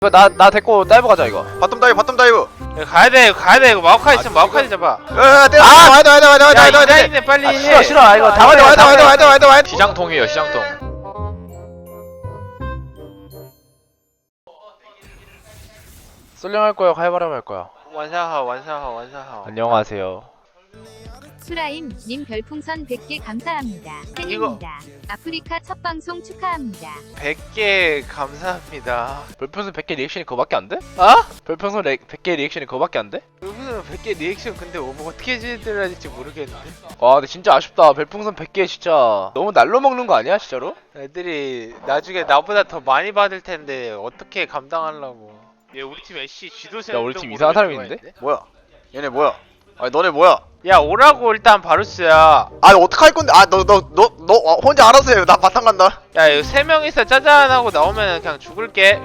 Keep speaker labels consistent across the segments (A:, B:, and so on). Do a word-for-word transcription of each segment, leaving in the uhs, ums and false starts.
A: 이거 나 나 데리고 다이브 가자 이거.
B: 바텀 다이브 바텀 다이브.
C: 야, 가야돼 이거 가야돼 이거 마오카이 있으면 마오카이 잡아.
B: 야야 때려. 아 와야 돼 와야 돼 와야 돼 와야 돼 와야 돼 와야 돼.
C: 이라인에 빨리
A: 아,
C: 해.
A: 싫어 싫어. 아, 이거 다
B: 와야 돼
A: 와야
B: 와야 돼 와야 돼 와야 돼 와야 돼.
D: 시장통이에요 시장통.
A: 쏠령 할 거야, 칼바람 할 거야.
C: 완사하 완사하 완사하.
A: 안녕하세요.
E: 수라임 님 별풍선 백 개 감사합니다. 팬입니다. 아프리카 첫 방송 축하합니다.
C: 백 개 감사합니다.
A: 별풍선 백 개 리액션이 그거밖에 안 돼?
C: 어?
A: 별풍선 백 개 리액션이 그거밖에 안 돼?
C: 여기서 백 개 리액션 근데 뭐 어떻게 해드려야 될지 모르겠는데.
A: 와, 근데 진짜 아쉽다. 별풍선 백 개 진짜 너무 날로 먹는 거 아니야, 진짜로?
C: 애들이 나중에 나보다 더 많이 받을 텐데 어떻게 감당하려고. 얘 우리 팀 애쉬 지도세.
A: 야, 우리 팀 이상한 사람이 있는데?
B: 뭐야? 얘네 뭐야? 아니 너네 뭐야?
C: 야 오라고 일단 바루스야.
B: 아 어떡 할 건데? 아 너 너 너 너 혼자 알아서 해. 나 바탕 간다.
C: 야 이거 세 명이서 짜잔하고 나오면 그냥 죽을게.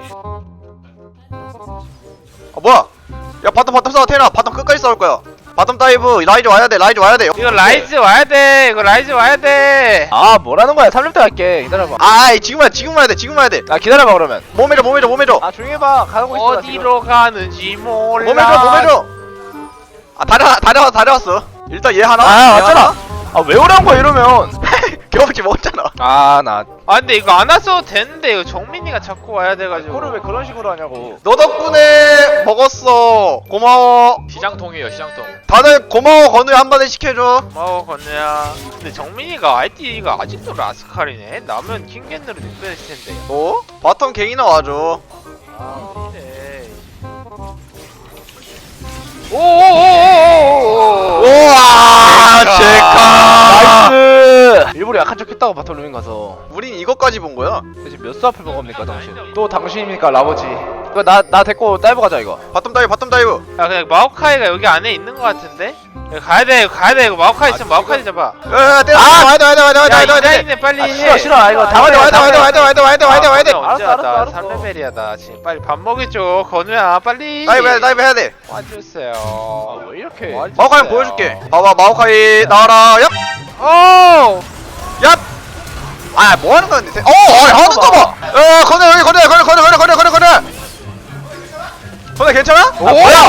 B: 아 뭐야? 야 바텀 바텀 싸워 테나. 바텀 끝까지 싸울 거야. 바텀 다이브 라이즈 와야 돼. 라이즈 와야 돼.
C: 이거 라이즈 와야 돼. 이거 라이즈 와야 돼.
A: 아, 뭐라는 거야? 삼 렙 때 갈게. 기다려봐.
B: 아이 지금 와야 지금 와야 돼. 지금 와야 돼.
A: 아, 기다려봐 그러면.
B: 몸해줘 몸해줘 몸해줘.
A: 아, 조용히 해봐. 가고 있어. 나 지금.
C: 어디로 가는지 몰라.
B: 몸해줘 몸해줘. 아 다려 다려 다려왔어. 일단 얘 하나.
A: 아,
B: 얘
A: 맞잖아.
B: 하나.
A: 아, 왜 오란 거야 이러면?
B: 경험치 먹었잖아.
A: 아, 나
C: 아 근데 이거 안 왔어도 되는데 이거 정민이가 자꾸 와야 돼가지고.
A: 그거를 왜 그런 식으로 하냐고.
B: 너 덕분에 먹었어. 고마워.
D: 시장통이에요 시장통.
B: 다들 고마워. 건우야 한마디 시켜줘.
C: 고마워 건우야. 근데 정민이가 아이디가 아직도 라스칼이네. 나면 킹겐으로 닉변했을 텐데.
B: 뭐? 바텀 갱이나 와줘.
C: 아 이래. 오오오오오오오.
B: 우와 제카.
A: 나이스. 일부러 약한 척 했다고 바텀 루밍 가서.
B: 우린 이것까지 본 거야.
A: 대체 몇 수 앞을 먹습니까 당신? 또 당신입니까 라버지? 이거 나 나 데리고 다이브 가자 이거.
B: 바텀 다이브 바텀 다이브.
C: 야 그냥 마오카이가 여기 안에 있는 것 같은데? 이거 가야돼 이거 가야돼 이거 마오카이 있으면 마오카이 잡아.
B: 야야 때려. 아 와야 돼 와야 돼 와야 돼 와야 돼
C: 야
B: 와야 돼.
C: 이라인에 빨리
A: 아,
C: 해.
A: 싫어 싫어. 아, 이거 다
B: 와야 돼
A: 와야
B: 와야 돼 와야 돼 와야 돼 와야 돼 와야 돼 와야 돼.
C: 언제
A: 알았어,
C: 왔다.
A: 알았어,
C: 삼 레벨이야 나 지금. 빨리 밥 먹여줘 건우야 빨리.
B: 다이브 해야 돼 다이브 해야 돼.
C: 와주세요.
A: 아, 왜 이렇게?
B: 마오카이 한번 보여줄게. 봐봐 마오카이 나와라. 얍.
C: 오!
B: 얍. 아 뭐하는 거야 근데. 어 아이 하는 거 봐. 어 건우 여기 건우 건우 건우 건우 건우 건우 건우. 건우 괜찮아?
A: 아, 뭐야?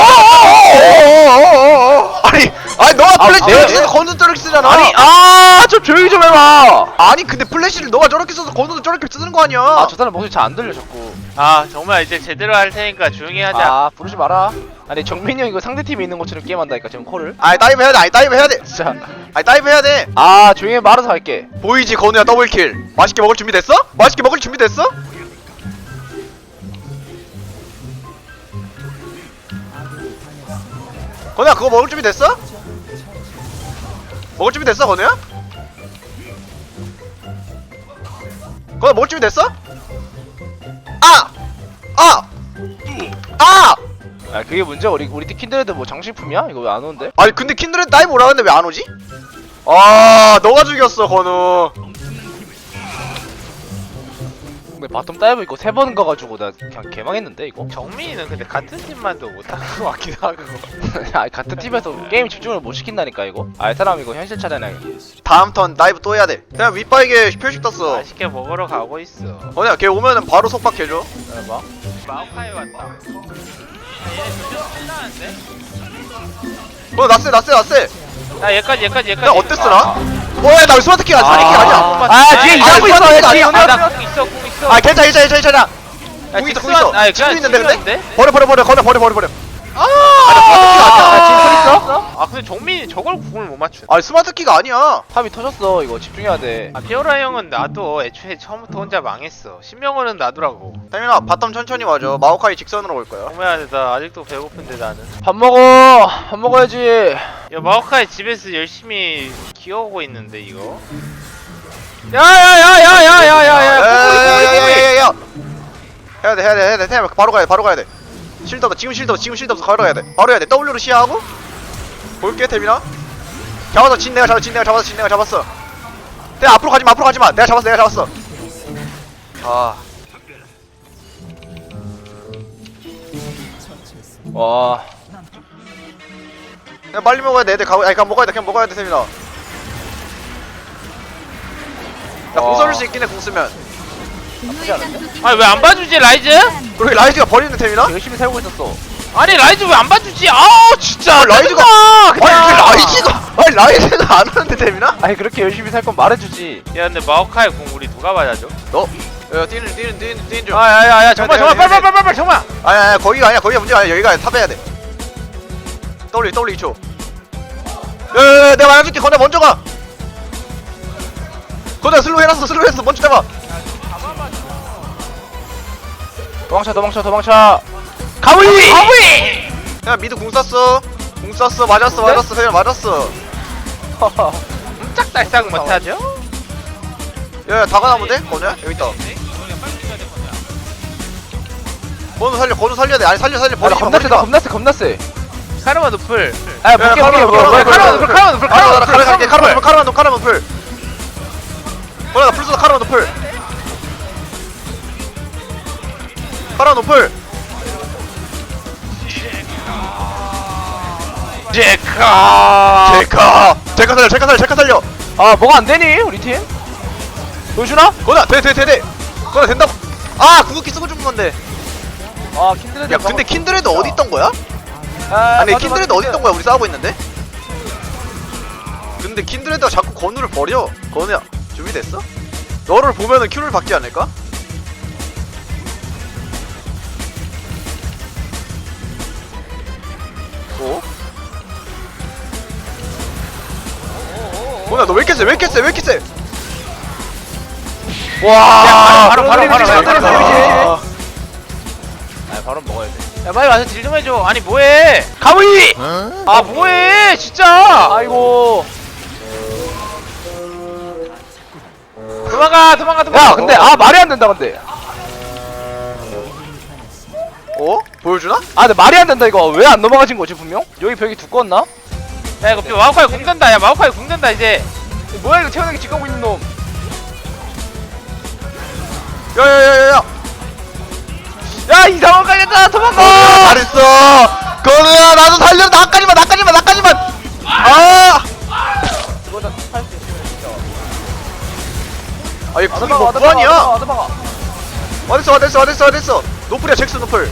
B: 아니 아니 너가
A: 아,
B: 플래시
A: 내가-
B: 써서 건우 저렇게 쓰잖아.
A: 아니, 아, 좀 조용히 좀 해봐.
B: 아니 근데 플래시를 너가 저렇게 써서 건우도 저렇게 쓰는 거 아니야.
A: 아, 저 사람 목소리 잘 안 들려 자꾸.
C: 아 정말 이제 제대로 할 테니까 조용히 하자.
A: 아, 부르지 마라. 아니, 정민이 형 이거 상대 팀에 있는 것처럼 게임한다니까 지금 콜을.
B: 아니 다이브 해야 돼. 아니 다이브 해야 돼.
A: 진짜.
B: 아니 다이브 해야 돼.
A: 아, 조용히 해. 말아서 할게.
B: 보이지 건우야 더블킬. 맛있게 먹을 준비 됐어? 맛있게 먹을 준비 됐어? 건우야 그거 먹을 준비 됐어? 먹을 준비 됐어 건우야? 건우야 먹을 준비 됐어? 아! 아! 아!
A: 아, 그게 문제야. 우리 우리 팀 킨드레드 뭐 장식품이야? 이거 왜 안 오는데?
B: 아니 근데 킨드레드 다이브 오라는데 왜 안 오지? 아 너가 죽였어 건우.
A: 근데 바텀 다이브 이거 세 번 가가지고 나 그냥 개망했는데 이거.
C: 정민이는 근데 같은 팀만도 못하는 것 같기도 하고.
A: 아, 같은 팀에서 게임 집중을 못 시킨다니까 이거. 아, 이 사람 이거 현실 차잖아.
B: 다음 턴 다이브 또 해야 돼. 그냥 윗바에게 표식 떴어.
C: 맛있게 먹으러 가고 있어.
B: 건우야 걔 오면은 바로 속박해줘.
A: 기다려봐.
C: 마오카이 왔다. 야, 얘네 조금 신나는데?
B: 건우 나쎄 나쎄 나쎄.
C: 야 얘까지 얘까지 얘까지.
B: 나 어땠어나? 뭐야 나 스마트키 아니야 사리키
A: 아.
B: 아니야.
A: 아, 뒤에 이상한 거 있어.
B: 스마트키
A: 뒤에
B: 아니야.
A: 오늘
C: 아, 나궁 있어 궁 있어.
B: 아 괜찮아 괜찮아 괜찮아.
C: 야,
B: 궁 있어 궁
C: 직선-
B: 있어.
C: 아니,
B: 친구
C: 그냥
B: 있는데 근데?
C: 친구였는데?
B: 버려 버려 버려 버려 버려 버려 버려.
C: 아,
A: 아, 진솔 있어?
C: 아 근데 정민이 저걸 궁을 못 맞추네.
B: 아니 스마트키가 아니야.
A: 탑이 터졌어. 이거 집중해야 돼.
C: 아 피오라 형은 나도 애초에 처음부터 혼자 망했어. 신명호는 나더라고.
B: 태민아 바텀 천천히 와줘. 마오카이 직선으로 올 거야.
C: 정말 나 아직도 배고픈데 나는.
A: 밥 먹어. 밥 먹어야지.
C: 야 마오카이 집에서 열심히 키워오고 있는데 이거. 야야야야야야야야.
B: 야야야야야야. 해야 돼 해야 돼 해야 돼. 태민아 바로 가야 돼 바로 가야 돼. 실드 없어 지금 실드 없어 지금 실드 없어 바로 가야 돼. 바로 해야 돼. W로 시야하고 볼게 태민아. 잡았어 진 내가 잡았어 진 내가 잡았어 진 내가 잡았어. 태민 앞으로 가지마 앞으로 가지마. 내가 잡았어 내가 잡았어. 아.
A: 와.
B: 그냥 빨리 먹어야 돼. 애들 가고 아니 그냥 먹어야 돼. 그냥 먹어야 돼 태민아. 나 공
A: 와.
B: 써줄 수 있긴 해 공 쓰면.
E: 분노의 쌍둥이
C: 아니, 왜안 봐주지, 라이즈?
E: 감사합니다.
B: 우리 라이즈가 버리는 템이나?
A: 열심히 살고 있었어.
C: 아니 라이즈 왜 안 봐주지? 아 진짜
B: 아, 라이즈가-
C: 짜증나, 그냥.
B: 아니 왜 라이즈가 아니 라이즈가 안 하는데 템이나?
A: 아니 그렇게 열심히 살 건 말해주지.
C: 야 근데 마오카이 공 우리 누가 맞아줘?
B: 너? 야 뛰는 뛰는 뛰는 뛰는 중
C: 아야야야 정말
B: 야,
C: 정말
B: 야, 야,
C: 빨리 빨리 빨리 빨리 정말.
B: 아니 아니 거기가 아니야 거기가 문제가 아니야 여기가 탑해야 돼 W W 이 초 야야야 내가 말해줄게 건네 먼저 가 건네 슬로우 해놨어 슬로우 해놨어 먼저 잡아
A: 도망쳐 도망쳐 도망쳐. 가위!
C: 아부이.
B: 야 미드 궁 쐈어 궁 쐈어 맞았어 맞았어 그냥 맞았어
C: 짝달싹 못하죠?
B: 야야 다가나면 돼? 건우야? 여기 있다 건우 살려 건우 살려야 돼 아니 살려 살려
A: 아, 나
B: 버리지 마
A: 겁나
B: 버리지
A: 세다
B: 마
A: 겁나 세 겁나 세.
C: 카르마 노플.
A: 아 볼게 볼게 볼게.
B: 카르마,
A: 뭐야,
B: 카르마,
A: 뭐야,
C: 노플
A: 뭐야.
C: 카르마 노플
B: 아, 나
C: 카르마
B: 카르마 갈게
C: 노플.
B: 카르마 카르마 노플 카르마 노플 건우야 나 풀쏘다 카르마 노플 카르마 노플
C: 제카.
B: 제카 제카 살려 제카 살려 제카 살려
A: 아 뭐가 안 되니 우리 팀? 보여주나?
B: 건우야 돼돼돼돼 건우야 된다고 아 궁극기 쓰고 죽은 건데
A: 아 킨드레드.
B: 야 근데 킨드레드 어디 있던 거야?
A: 아,
B: 아니
A: 맞아,
B: 킨드레드
A: 맞아,
B: 어디 있던 거야 우리 싸우고 있는데? 근데 킨드레드가 자꾸 건우를 버려 건우야 준비됐어? 너를 보면은 큐를 받지 않을까? 어? 건우야 너 왜 이렇게 세? 왜 이렇게 세? 왜 이렇게 세?
A: 와.
C: 바로, 바로, 바로, 바로, 바로, 바로.
A: 아 바로 먹어야 돼.
C: 야 빨리 와서 딜 좀 해줘. 아니 뭐해?
A: 가위!
C: 아 뭐해? 진짜.
A: 아이고.
C: 도망가 도망가 도망가.
A: 야 근데 아 말이 안 된다 근데.
B: 어? 보여주나?
A: 아 근데 말이 안 된다 이거. 왜 안 넘어가진 거지 분명? 여기 벽이 두꺼웠나?
C: 야 이거 마오카이 공 된다. 야 마오카이 공 된다 이제.
A: 뭐야 이거 태어나게 지켜고 있는 놈.
B: 야야야야야
A: 야 이상한 가겠다 도망가.
B: 건우야 잘했어 건우야 나도 살려 나까지만 나까지만 나까지만 아
A: 이거는 할수 있으면 진짜.
B: 아이 궁이 뭐
A: 아드바가
B: 무한이야
A: 아드바가.
B: 어딨어 어딨어 어딨어 어딨어 노플이야 잭스 노플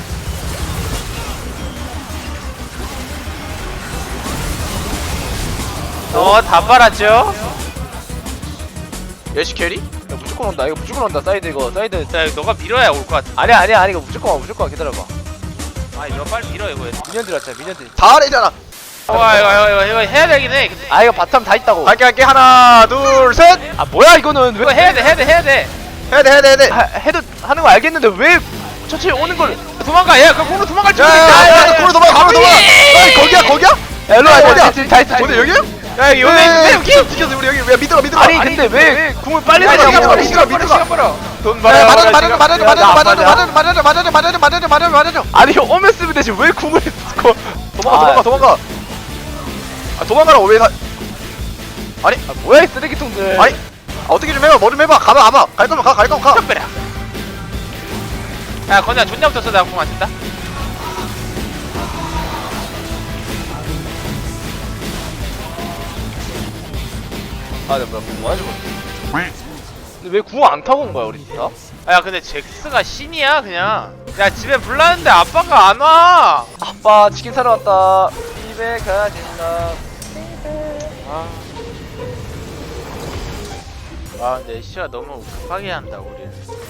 C: 어다 빨았죠?
B: 예시 캐리?
A: 야 무조건 온다 이거 무조건 온다 사이드 이거 사이드.
C: 자 이거 너가 밀어야 올 것 같아.
A: 아니야 아니야 아니 이거 무조건 와 무조건 와 기다려봐.
C: 아 이거 빨리 밀어 이거.
A: 미년들 왔잖아 미년들.
B: 다 아래잖아
C: 와 이거 이거 이거 이거 해야 되긴 해. 근데
A: 아 이거 바텀 다 있다고.
B: 갈게 갈게 하나 둘셋
A: 아 뭐야 이거는
C: 이거
A: 왜
C: 해야 돼 해야 돼 해야 돼.
B: 해야 돼 해야 돼 해야 돼
A: 하, 해도 하는 거 알겠는데 왜 천천히 오는 걸.
C: 도망가. 얘그 공으로 도망갈 줄 알겠다.
B: 야야야 코로 도망가 코로 도망가 아니 거기야 거기야?
A: 야 일로 와
B: 어디야?
A: 이거 다 있어.
B: 어디 여기야?
C: 야 여기 요네 있는데 여기.
B: 여기 지켰어 우리 여기 야 믿어라 믿어라
A: 아니 근데 왜 궁을 빨리
B: 야, 시간
A: 내냐고.
B: 벌어, 시간 벌어, 시간
C: 벌어. 돈
B: 야
C: 벌어.
B: 맞아줘 맞아줘 맞아줘
A: 야, 나
B: 맞아줘
A: 안
B: 맞아줘 맞아줘 맞아줘 맞아줘 맞아줘 맞아줘 맞아줘
A: 아니 형 오면 쓰면 되지 왜 궁을 거.
B: 도망가 도망가 도망가 아 도망가라고 왜 다...
A: 아 뭐야 이 쓰레기통들.
B: 아니 아, 어떻게 좀 해봐 뭐 좀 해봐 가봐 가봐 갈 거면 가갈 거면 가
C: 덤벼라. 야 건우야 존나 붙었어. 내가 공 안 쓴다.
A: 아 내가 뭐 해주고. 근데 왜 궁 안 타고 온 거야 우리 진짜?
C: 아, 야 근데 잭스가 신이야 그냥. 야 집에 불났는데 아빠가 안 와.
A: 아빠 치킨 사러 왔다. 집에 가진다.
C: 아. 아 근데 씨가 너무 급하게 한다 우리는.